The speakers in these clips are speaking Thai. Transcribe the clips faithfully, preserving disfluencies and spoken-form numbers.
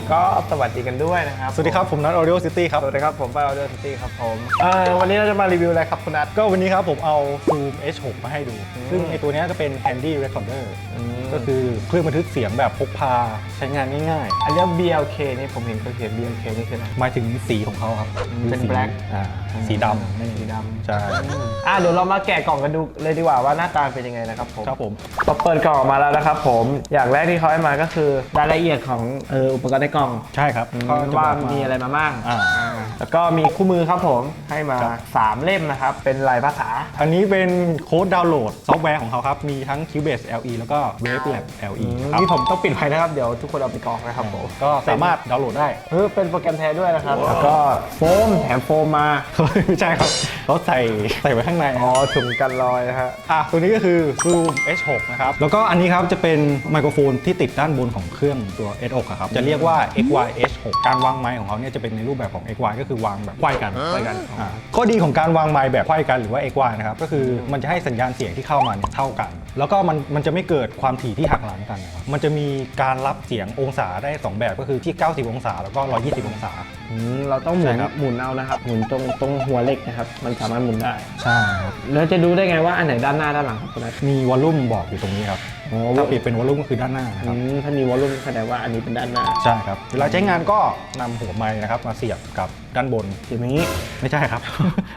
ก็สวัสดีกันด้วยนะครับสวัสดีครับผมนัท Audio City ครับสวัสดีครับผมไป Audio City ครับผมเอ่อวันนี้เราจะมารีวิวอะไรครับคุณนัทก็วันนี้ครับผมเอา Zoom เอช หก มาให้ดูซึ่งไอตัวนี้จะเป็น Handy Recorder ก็คือเครื่องบันทึกเสียงแบบพกพาใช้งานง่ายๆอันนี้ บี แอล เค นี่ผมเห็นเขาเขียน บี แอล เค นี่คืออะไรหมายถึงสีของเขาครับเป็น black อ่าสีดำสีดำใช่อ่ะเดี๋ยวเรามาแกะกล่องกันดูเลยดีกว่าว่าหน้าตาเป็นยังไงนะครับผมครับผมพอเปิดกล่องออกมาแล้วนะครับผมอย่างแรกที่เขาให้มาก็คือรายละเอียดของเอออุปกรณ์ในกล่องใช่ครับว่ามีอะไรมาบ้างแล้วก็มีคู่มือครับผมให้มาสามเล่มนะครับเป็นลายภาษาอันนี้เป็นโค้ดดาวน์โหลดซอฟต์แวร์ของเขาครับมีทั้ง Cubase แอล อี แล้วก็ Wavelab แอล อีนี่ผมต้องปิดไว้นะครับเดี๋ยวทุกคนเอาไปกรอกนะครับผมก็สามารถดาวน์โหลดได้เออเป็นโปรแกรมแท้ด้วยนะครับแล้วก็โฟมแถมโฟมมาไม่ใช่ครับเขาใส่ใส่ไว้ข้างในอ๋อถุงกันรอยนะฮะอ่ะตัวนี้ก็คือ Zoom เอช หก นะครับแล้วก็อันนี้ครับจะเป็นไมโครโฟนที่ติดด้านบนของเครื่องตัว เอช หก ครับจะเรียกว่า เอ็กซ์ วาย เอช หก การวางไมค์ของเขาเนี่ยจะเป็นในรูปแบบของ เอ็กซ์ วาย ก็คือวางแบบไขว้กันไขว้กันข้อดีของการวางไมค์แบบไขว้กันหรือว่า เอ็กซ์ วาย นะครับก็คือมันจะให้สัญญาณเสียงที่เข้ามาเท่ากันแล้วก็มันมันจะไม่เกิดความถี่ที่หักหลังกันนะครับมันจะมีการรับเสียงองศาได้สองแบบก็คือที่เก้าสิบองศาแล้วก็หนึ่งร้อยยี่สิบองศาเราต้องหมุนหมุนเอานะครับหมุนตรงตรงหัวเหล็กนะครับมันสามารถหมุนได้ใช่ครับแล้วจะดูได้ไงว่าอันไหนด้านหน้าด้านหลังครับคุณนัทมีวอลลุ่มบอกอยู่ตรงนี้ครับถ้าเปลี่ยนเป็นวอลลุ่มก็คือด้านหน้านะครับถ้ามีวอลลุ่มแสดงว่าอันนี้เป็นด้านหน้าใช่ครับเวลาใช้งานก็นำหัวไมค์นะครับมาเสียบกับด้านบนเสียบอย่างนี้ไม่ใช่ครับ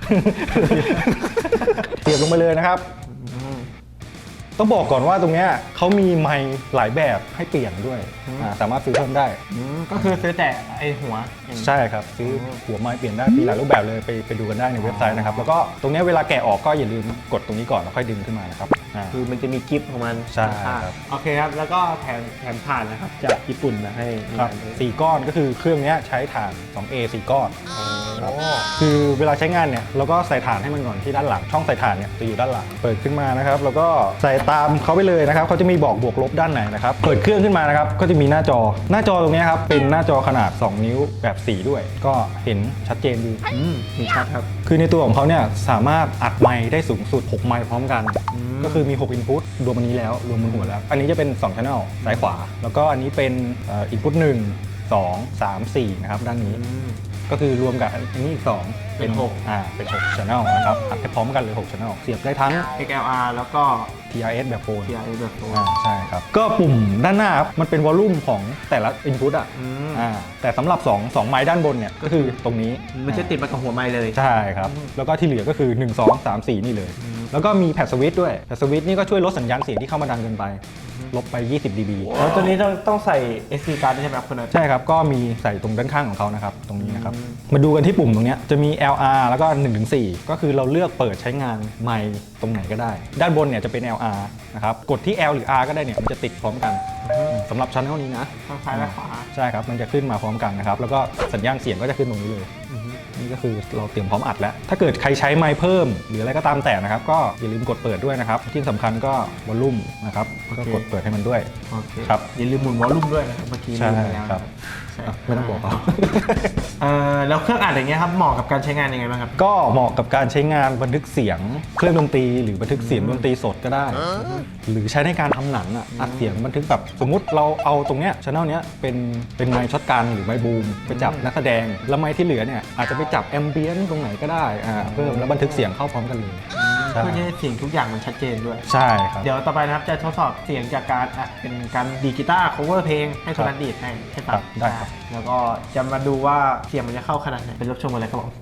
เสียบลงไปเลยนะครับต้องบอกก่อนว่าตรงนี้เขามีไมค์หลายแบบให้เปลี่ยนด้วยสามารถซื้อเพิ่มได้ก็คือซื้อแต่ไอหัวใช่ครับซื้อหัวไมค์เปลี่ยนได้มีหลายรูปแบบเลยไปไปดูกันได้ในเว็บไซต์นะครับแล้วก็ตรงนี้เวลาแกะออกก็อย่าลืมกดตรงนี้ก่อนแล้วค่อยดึงขึ้นมานะครับคือมันจะมีกิฟต์ของมันใช่ครับโอเคครับแล้วก็แถมแถมถ่านนะครับจากญี่ปุ่นมาให้ครับสี่ก้อนก็คือเครื่องนี้ใช้ถ่าน สองเอ สี่ก้อนคือเวลาใช้งานเนี่ยเราก็ใส่ถ่านให้มันก่อนที่ด้านหลังช่องใส่ถ่านเนี่ยจะอยู่ด้านหลังเปิดขึ้นมานะครับแล้วก็ใส่ตามเขาไปเลยนะครับเขาจะมีบอกบวกลบด้านไหนนะครับเปิดเครื่องขึ้นมานะครับก็จะมีหน้าจอหน้าจอตรงนี้ครับเป็นหน้าจอขนาดสองนิ้วแบบสีด้วยก็เห็นชัดเจนดีเห็นชัดครับคือในตัวของเขาเนี่ยสามารถอัดไมค์ได้สูงสุดหกไมค์พร้อมกันก็คือมีหก input รวมอันนี้แล้วรวมบนหัวแล้วอันนี้จะเป็นสอง channel ซ้ายขวาแล้วก็อันนี้เป็น input หนึ่ง สอง สาม สี่นะครับด้านนี้ก็คือรวมกับอันนี้อีกสองเป็นหกอ่าเป็นหก channel นะครับอัดไปพร้อมกันเลยหก channel เสียบได้ทั้งเอ็กซ์ แอล อาร์ แล้วก็ที อาร์ เอส แบบโฟนที อาร์ เอส แบบโฟนใช่ครับก็ปุ่มด้านหน้าครับมันเป็นวอลลุ่มของแต่ละ input อ่ะอ่าแต่สำหรับ2 2ไมค์ด้านบนเนี่ยก็คือตรงนี้มันจะติดมากับหัวไมค์เลยใช่ครับแล้วก็ที่เหลือก็คือหนึ่ง สอง สาม สี่นี่เลยแล้วก็มีแพดสวิตช์ด้วยแพดสวิตช์นี่ก็ช่วยลดสัญญาณเสียงที่เข้ามาดังเกินไปลบไปยี่สิบ ดี บีแล้วตัวนี้ต้องต้องใส่ เอส ดี card ใช่ไหมครับคุณนัทใช่ครับก็มีใส่ตรงด้านข้างของเขานะครับตรงนี้นะครับมาดูกันที่ปุ่มตรงนี้จะมี แอล อาร์ แล้วก็ หนึ่งถึงสี่ ก็คือเราเลือกเปิดใช้งานไมค์ตรงไหนก็ได้ด้านบนเนี่ยจะเป็น แอล อาร์ นะครับกดที่ L หรือ R ก็ได้เนี่ยมันจะติดพร้อมกันสำหรับชั้นเท่านี้นะซ้ายและขวาใช่ครับมันจะขึ้นมาพร้อมกันนะครับแล้วก็สัญญาณเสียงก็จะขึ้นตรงนี้เลยนี่ก็คือเราเตรียมพร้อมอัดแล้วถ้าเกิดใครใช้ไมค์เพิ่มหรืออะไรก็ตามแต่นะครับก็อย่าลืมกดเปิดด้วยนะครับที่สำคัญก็วอลลุ่มนะครับก็กดเปิดให้มันด้วยครับอย่าลืมหมุนวอลลุ่มด้วยนะครับเมื่อกี้ลืมไปแล้วครับไม่ต้องบอกเขาแล้วเครื่องอัดอย่างเงี้ยครับเหมาะกับการใช้งานยังไงบ้างครับก็เหมาะกับการใช้งานบันทึกเสียงเครื่องดนตรีหรือบันทึกเสียงดนตรีสดก็ได้หรือใช้ในการทำหนังอ่ะอัดเสียงบันทึกแบบสมมุติเราเอาตรงเนี้ยช่องเนี้ยเป็นเป็นไมค์ช็อตกันหรือไมค์บูมไปจับนักแสดงแล้วไมค์ที่เหลือเนี่ยอาจจะไปจับแอมเบียนตรงไหนก็ได้อ่าเพิ่มแล้วบันทึกเสียงเข้าพร้อมกันเลยเพื่อให้เสียงทุกอย่างมันชัดเจนด้วยใช่ครับเดี๋ยวต่อไปนะครับจะทดสอบเสียงจากการอัดเป็นการดีดกีตาร์ cover เพลงให้คนนั้นดีดให้ให้ฟังได้ครับแล้วก็จะมาดูว่าเสียงมันจะเข้าขนาดไหนเป็นรับชมกันเลยครับผม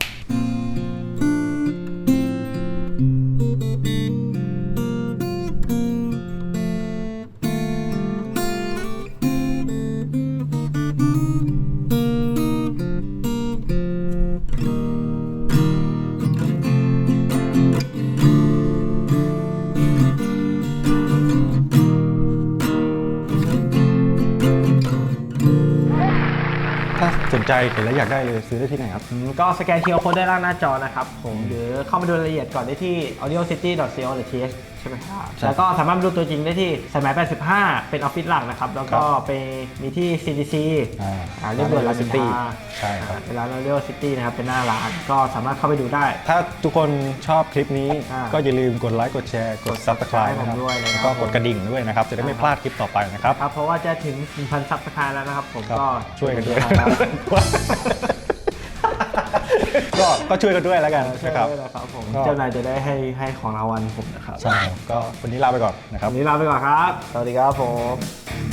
ถ้าสนใจเห็นแล้วอยากได้เลยซื้อได้ที่ไหนครับก็สแกน คิว อาร์ Code ได้ล่างหน้าจอนะครับผมหรือเข้ามาดูรายละเอียดก่อนได้ที่ audio city ดอท ซี โอ ดอท ที เอชใช่ไหมครับแล้วก็สามารถดูตัวจริงได้ที่สายไหมแปดสิบห้าเป็นออฟฟิศหลักนะครับแล้วก็ไปมีที่ ซี ดี ซีอ่าเรียบด่วนรามอินทราใช่ครับเป็นร้านเรียกว่าซิตี้นะครับเป็นหน้าร้านก็สามารถเข้าไปดูได้ถ้าทุกคนชอบคลิปนี้อ่าก็อย่าลืมกดไลค์กดแชร์กด Subscribe นะครับด้วยนะครับแล้วก็กดกระดิ่งด้วยนะครับจะได้ไม่พลาดคลิปต่อไปนะครับครับเพราะว่าจะถึง หนึ่งพัน ซับสไครบ์แล้วนะครับผมครับก็ช่วยกันด้วยครับก็ก็ช่วยกันด้วยแล้วกันช่วยนะครับด้วยนะครับผมก็เจ้านายจะได้ให้ให้ของรางวัลผมนะครับใช่ก็วันนี้ลาไปก่อนนะครับวันนี้ลาไปก่อนครับ สวัสดีครับผม